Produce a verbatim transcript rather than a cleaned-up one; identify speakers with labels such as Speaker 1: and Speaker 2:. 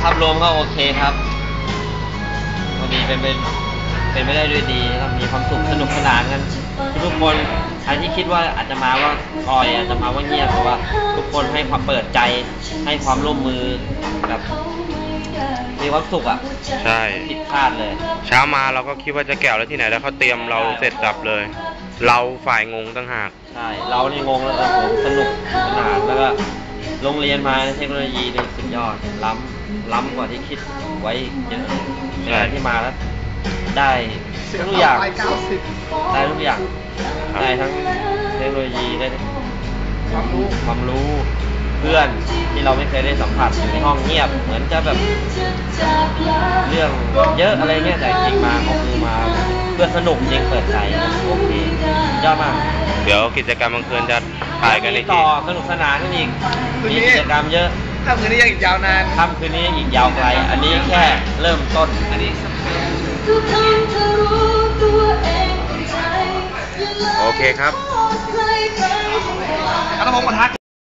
Speaker 1: ภาพรวมก็โอเคครับพอดีเป็นเป็นเป็นไม่ได้ด้วยดีครับมีความสุขสนุกสนานกันทุกคนใครที่คิดว่าอาจจะมาว่าคอยอาจจะมาว่าเงียบเพราะว่าทุกคนให้ความเปิดใจให้ความร่วมมือแบบมีความสุขอ่ะ
Speaker 2: ใช่
Speaker 1: ผิดคาดเลย
Speaker 2: เช้ามาเราก็คิดว่าจะแก้วแล้วที่ไหนแล้วเขาเตรียมเราเสร็จสับเลยเราฝ่ายงงตั้งหาก
Speaker 1: ใช่เรานี่งงแล้วผมสนุกสนานแล้วก็โรงเรียนมาเทคโนโลยีนี่สุดยอดล้ำล้ำกว่าที่คิดไว้เยอะในการที่มาแล้วได้ทุกอย่างได้ทุกอย่างได้ทั้งเทคโนโลยีได้ความรู้ความรู้เพื่อนที่เราไม่เคยได้สัมผัสอยู่ในห้องเงียบเหมือนจะแบบเรื่องเยอะอะไรเงี้ยแต่จริงมาเขาคือมาเพื่อสนุกจริงเปิดใจโอเคยอดมาก
Speaker 2: เดี๋ยวกิจกรรมกลางคืนจะถ่ายกันอีก
Speaker 1: ต่อสนุกสนานกันอีกมีกิจกรรมเยอะ
Speaker 3: ค่ำคืนนี้ยังอีกยาวนาน
Speaker 1: ค่ำคืนนี้อีกยาวไกลอันนี้แค่เริ่มต้นอันนี้
Speaker 2: โอเคครับ
Speaker 3: ครับผมมาทัก